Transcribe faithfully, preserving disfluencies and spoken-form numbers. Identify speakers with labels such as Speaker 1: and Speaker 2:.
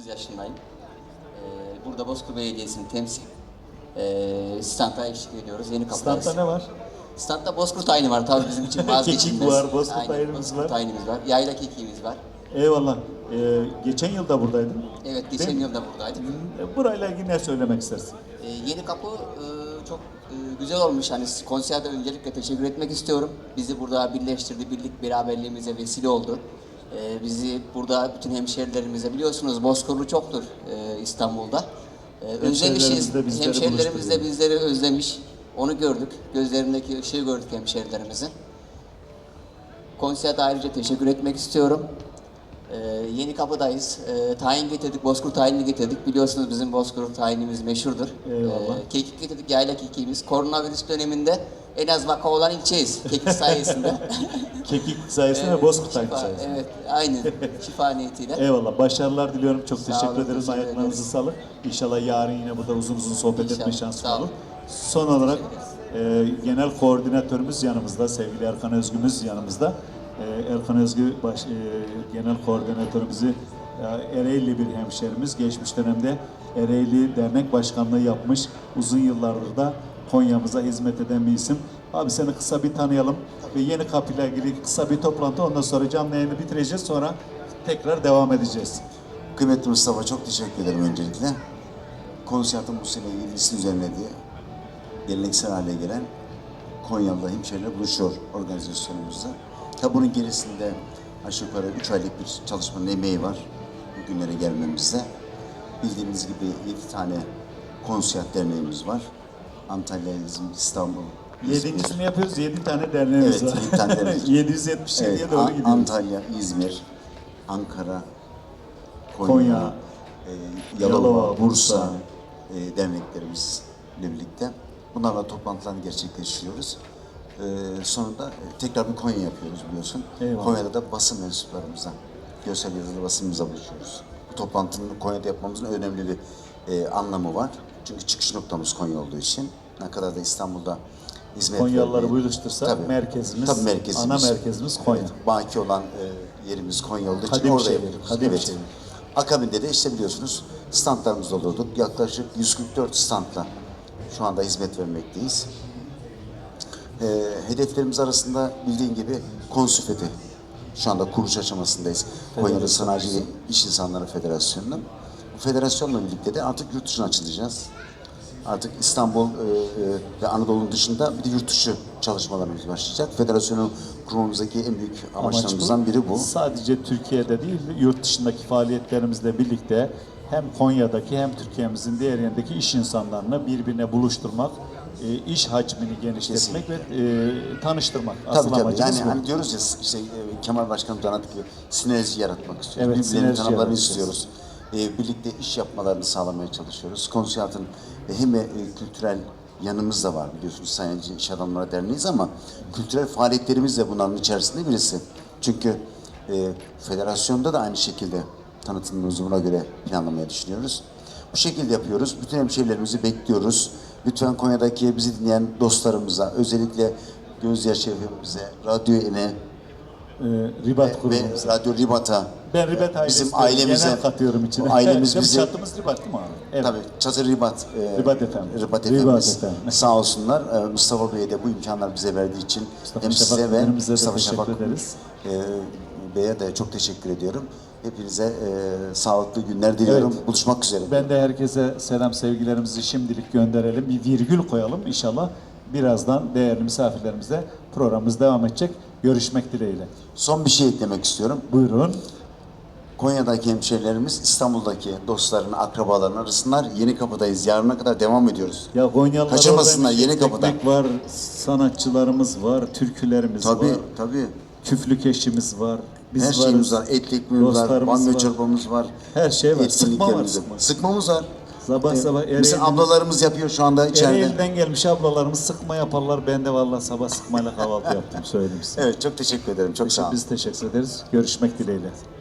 Speaker 1: otuz yaşındayım. Ee, burada Bozkır Belediyesi'ni temsil e, standa eşlik ediyoruz. Yeni kapıdayız.
Speaker 2: Standta ne var?
Speaker 1: Standta Bozkurt tayini var tabii bizim için vazgeçilmez.
Speaker 2: Kekik var, Bozkurt
Speaker 1: Aynen,
Speaker 2: tayinimiz
Speaker 1: Bozkurt
Speaker 2: var.
Speaker 1: tayinimiz var. Yayla kekiğimiz var.
Speaker 2: Eyvallah. Ee, geçen yıl da buradaydın.
Speaker 1: Evet, geçen
Speaker 2: Değil mi?
Speaker 1: yıl da buradaydık.
Speaker 2: Hmm, Burayla ilgili ne söylemek istersin?
Speaker 1: Ee, yeni kapı e, çok e, güzel olmuş. Hani konserde öncelikle teşekkür etmek istiyorum. Bizi burada birleştirdi, birlik beraberliğimize vesile oldu. Ee, bizi burada bütün hemşerilerimize, biliyorsunuz Bozkırlı çoktur e, İstanbul'da. Ee, özlemişiz.
Speaker 2: de bizleri
Speaker 1: Hemşerilerimiz de
Speaker 2: buluşturuyor.
Speaker 1: bizleri özlemiş. Onu gördük. Gözlerindeki ışığı gördük hemşerilerimizin. Konserde ayrıca teşekkür etmek istiyorum. Ee, yeni kapıdayız. Ee, tayin getirdik, Bozkurt tayinini getirdik. Biliyorsunuz bizim Bozkurt tayinimiz meşhurdur.
Speaker 2: Eyvallah.
Speaker 1: Ee, kekik getirdik, yayla kekiğimiz. Koronavirüs döneminde en az vaka olan ilçeyiz kekik sayesinde.
Speaker 2: Kekik sayesinde
Speaker 1: Evet,
Speaker 2: ve Bozkurt tayini
Speaker 1: şifa-
Speaker 2: sayesinde.
Speaker 1: Evet, aynen. Şifa niyetiyle.
Speaker 2: Eyvallah. Başarılar diliyorum. Çok
Speaker 1: Sağ
Speaker 2: teşekkür
Speaker 1: olun,
Speaker 2: ederiz.
Speaker 1: teşekkür
Speaker 2: Ayaklarınızı
Speaker 1: ederiz.
Speaker 2: sağlık. İnşallah yarın yine burada uzun uzun sohbet etme
Speaker 1: İnşallah.
Speaker 2: şansı
Speaker 1: Sağ
Speaker 2: olur.
Speaker 1: olun.
Speaker 2: Son olarak e, genel koordinatörümüz yanımızda. Sevgili Erkan Özgümüz yanımızda. E, Erkan Özgü baş, e, genel koordinatörümüzü e, Ereğli bir hemşerimiz. Geçmiş dönemde Ereğli Dernek Başkanlığı yapmış. Uzun yıllardır da Konya'mıza hizmet eden bir isim. Abi seni kısa bir tanıyalım ve yeni kapıyla ilgili kısa bir toplantı, ondan sonra canlı yayını bitireceğiz, sonra tekrar devam edeceğiz.
Speaker 3: Kıymetli Mustafa, çok teşekkür ederim öncelikle. Konsertin bu sene ilgisini düzenlediği, geleneksel hale gelen Konyalı'da hemşehriler buluşuyor organizasyonumuzda. Tabi bunun gerisinde aşağı yukarı üç aylık bir çalışmanın emeği var bugünlere gelmemizde. Bildiğiniz gibi yedi tane konser derneğimiz var. Antalya, İzmir, İstanbul, İzmir.
Speaker 2: Yedincisini yapıyoruz, yedi tane derneğimiz
Speaker 3: Evet,
Speaker 2: var.
Speaker 3: yedi tane dernek.
Speaker 2: yedi yüz yetmiş yediye
Speaker 3: Evet,
Speaker 2: doğru
Speaker 3: An-
Speaker 2: gidiyoruz.
Speaker 3: Antalya, İzmir, Ankara, Konya,
Speaker 2: Konya,
Speaker 3: e, Yalova,
Speaker 2: Yalova,
Speaker 3: Bursa,
Speaker 2: Bursa.
Speaker 3: e, derneklerimizle birlikte bunlarla toplantılarını gerçekleştiriyoruz. E, sonunda e, tekrar bir Konya yapıyoruz biliyorsun.
Speaker 2: Eyvallah.
Speaker 3: Konya'da da basın mensuplarımıza, görsel yazılı basınımıza buluşuyoruz. Bu toplantının Konya'da yapmamızın önemli bir e, anlamı var. Çünkü çıkış noktamız Konya olduğu için. Ne kadar da İstanbul'da hizmet
Speaker 2: Konyalıları
Speaker 3: vermeye-
Speaker 2: buluştursak
Speaker 3: Tabii.
Speaker 2: merkezimiz,
Speaker 3: Tabii merkezimiz.
Speaker 2: ana merkezimiz Konya.
Speaker 3: Evet, baki olan e, yerimiz Konya olduğu için
Speaker 2: Kadim
Speaker 3: orada
Speaker 2: şehir,
Speaker 3: yapıyoruz.
Speaker 2: kadim
Speaker 3: Evet.
Speaker 2: şehir.
Speaker 3: Akabinde de işte biliyorsunuz standlarımızda olurduk. Yaklaşık yüz kırk dört standla şu anda hizmet vermekteyiz. E, hedeflerimiz arasında bildiğin gibi Konsüfeti. Şu anda kuruluş aşamasındayız. Konya'da Sanayici ve İş İnsanları Federasyonu'nun. Bu federasyonla birlikte de artık yurt dışına açılacağız. Artık İstanbul e, e, ve Anadolu'nun dışında bir de yurt dışı çalışmalarımız başlayacak. Federasyonu kurmamızdaki en büyük amaçlarımızdan biri bu.
Speaker 2: Sadece Türkiye'de değil, yurt dışındaki faaliyetlerimizle birlikte hem Konya'daki hem Türkiye'mizin diğer yerindeki iş insanlarını birbirine buluşturmak, e, iş hacmini genişletmek ve e, tanıştırmak. Asıl
Speaker 3: Tabii tabii.
Speaker 2: amacımız
Speaker 3: Yani
Speaker 2: bu.
Speaker 3: hani diyoruz ya işte e, Kemal Başkanımız anlattık ki sinerji yaratmak istiyoruz.
Speaker 2: Evet,
Speaker 3: Birbirlerini
Speaker 2: sinerji
Speaker 3: tanımalarını
Speaker 2: yaratacağız.
Speaker 3: istiyoruz. E, birlikte iş yapmalarını sağlamaya çalışıyoruz. Konsiyatın e, hem e, kültürel yanımız da var biliyorsunuz Sayıncı İş Adamları Derneği'yiz ama kültürel faaliyetlerimiz de bunların içerisinde birisi. Çünkü e, federasyonda da aynı şekilde tanıtımımızı buna göre planlamaya düşünüyoruz. Bu şekilde yapıyoruz. Bütün hemşehrilerimizi bekliyoruz. Lütfen Konya'daki bizi dinleyen dostlarımıza, özellikle Gözyaşı Efemimize, Radyo Ene
Speaker 2: E, Ribat
Speaker 3: ve
Speaker 2: grubumuza.
Speaker 3: Radyo Ribat'a,
Speaker 2: Ben Ribat ailesi
Speaker 3: bizim
Speaker 2: de
Speaker 3: ailemize,
Speaker 2: genel katıyorum içine.
Speaker 3: ailemiz
Speaker 2: Evet,
Speaker 3: bizi,
Speaker 2: çatımız Ribat değil mi abi? Evet.
Speaker 3: tabii Çatır Ribat, e,
Speaker 2: Ribat efendim.
Speaker 3: Ribat
Speaker 2: Ribat
Speaker 3: Efendimiz
Speaker 2: efendim.
Speaker 3: sağ olsunlar. E, Mustafa Bey'e de bu imkanlar bize verdiği için
Speaker 2: Mustafa
Speaker 3: hem
Speaker 2: Şafak
Speaker 3: size ve
Speaker 2: Müdürümüze de
Speaker 3: Mustafa
Speaker 2: teşekkür
Speaker 3: Şafak
Speaker 2: ederiz.
Speaker 3: e, Bey'e de çok teşekkür ediyorum. Hepinize e, sağlıklı günler diliyorum.
Speaker 2: Evet.
Speaker 3: Buluşmak üzere.
Speaker 2: Ben de herkese selam sevgilerimizi şimdilik gönderelim. Bir virgül koyalım inşallah. Birazdan değerli misafirlerimize programımız devam edecek. Görüşmek dileğiyle.
Speaker 3: Son bir şey eklemek istiyorum.
Speaker 2: Buyurun.
Speaker 3: Konya'daki hemşehrilerimiz İstanbul'daki dostlarının, akrabalarının arasınlar. Yeni kapıdayız. Yarına kadar devam ediyoruz.
Speaker 2: Ya Konyalılar
Speaker 3: Kaçırmasınlar,
Speaker 2: oradaymış.
Speaker 3: yeni kapıda.
Speaker 2: Ekmek var, sanatçılarımız var, türkülerimiz
Speaker 3: Tabii,
Speaker 2: var,
Speaker 3: tabii.
Speaker 2: küflük eşimiz var. Biz
Speaker 3: Her
Speaker 2: varız,
Speaker 3: şeyimiz var. Etli ekmeğimiz var,
Speaker 2: dostlarımız
Speaker 3: banyo
Speaker 2: var.
Speaker 3: çorbamız var.
Speaker 2: Her şey var. Sıkma var,
Speaker 3: Etkinliklerimiz
Speaker 2: sıkma.
Speaker 3: Sıkmamız var.
Speaker 2: Sabah
Speaker 3: Ee,
Speaker 2: sabah
Speaker 3: Bizim
Speaker 2: Ereğli'nin-
Speaker 3: ablalarımız yapıyor şu anda içeride.
Speaker 2: Ereğli'den gelmiş ablalarımız sıkma yaparlar. Ben de vallahi sabah sıkmayla kahvaltı yaptım söyleyeyim size.
Speaker 3: Evet, çok teşekkür ederim. Çok sağ olun.
Speaker 2: Biz teşekkür ederiz. Görüşmek dileğiyle.